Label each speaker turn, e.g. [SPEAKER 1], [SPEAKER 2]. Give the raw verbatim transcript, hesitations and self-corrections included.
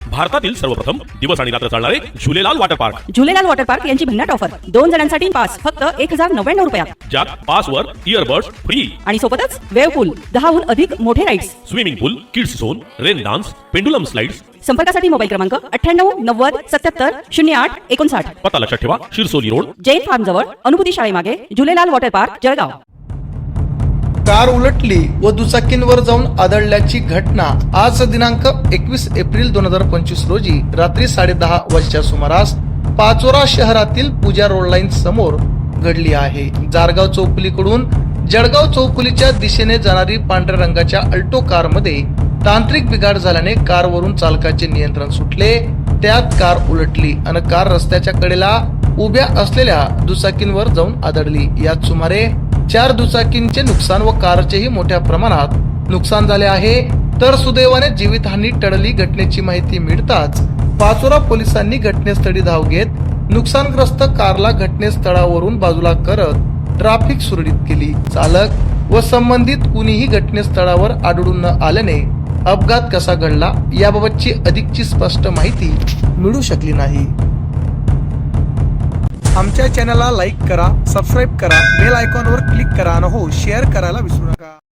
[SPEAKER 1] भारतातील सर्वप्रथम दिवस आणि रात्र चालणारे Jhulelal water park
[SPEAKER 2] Jhulelal water park यांची भन्नाट ऑफर दोन जणांसाठी पास फक्त एक हजार नव्याण्णव रुपयात,
[SPEAKER 1] ज्यात पासवर इयरबड्स फ्री
[SPEAKER 2] आणि सोबतच वेव्ह पूल, दहाहून अधिक मोठे rides,
[SPEAKER 1] swimming pool, kids zone, rain dance, pendulum slides.
[SPEAKER 2] संपर्कासाठी मोबाईल क्रमांक अठ्ठ्याण्णव नव्वद सत्याहत्तर शून्य आठ एकोणसाठ.
[SPEAKER 1] पत्ता लक्षात ठेवा, शिरसोली रोड,
[SPEAKER 2] जैन फार्म जवळ, अनुभूती शाळेमागे, Jhulelal water park, Jalgaon.
[SPEAKER 3] Car उलटली व दुचाकींवर जाऊन आदळल्याची घटना आज दिनांक एकवीस एप्रिल दोन हजार पंचवीस रोजी रात्री साडे दहा वाजच्या सुमारास पाचोरा शहरातील पूजा रोड लाईन समोर घडली आहे. जारगाव चौफुलीकडून जळगाव चौफुलीच्या दिशेने जाणारी पांढऱ्या रंगाच्या अल्टो कार मध्ये तांत्रिक बिघाड झाल्याने कारवरून चालकाचे नियंत्रण सुटले. त्यात कार उलटली आणि कार रस्त्याच्या कडेला उभ्या असलेल्या दुचाकींवर जाऊन आदळली. यात सुमारे चार दुचाकींचे नुकसान व कारचेही मोठ्या प्रमाणात नुकसान झाले आहे. तर सुदैवाने जीवितहानी टळली. घटनेची माहिती मिळताच पाचोरा पोलिसांनी घटनास्थळी धाव घेत नुकसानग्रस्त कारला घटनास्थळावरून बाजूला करत ट्रॅफिक सुरळीत केली. चालक व संबंधित कुणीही घटनास्थळावर आढळून न आल्याने अपघात कसा घडला याबाबतची अधिकची स्पष्ट माहिती मिळू शकली नाही. आमच्या चॅनलला लाईक करा, सबस्क्राईब करा, बेल आयकॉनवर क्लिक करा आणि हो शेअर करायला विसरू नका.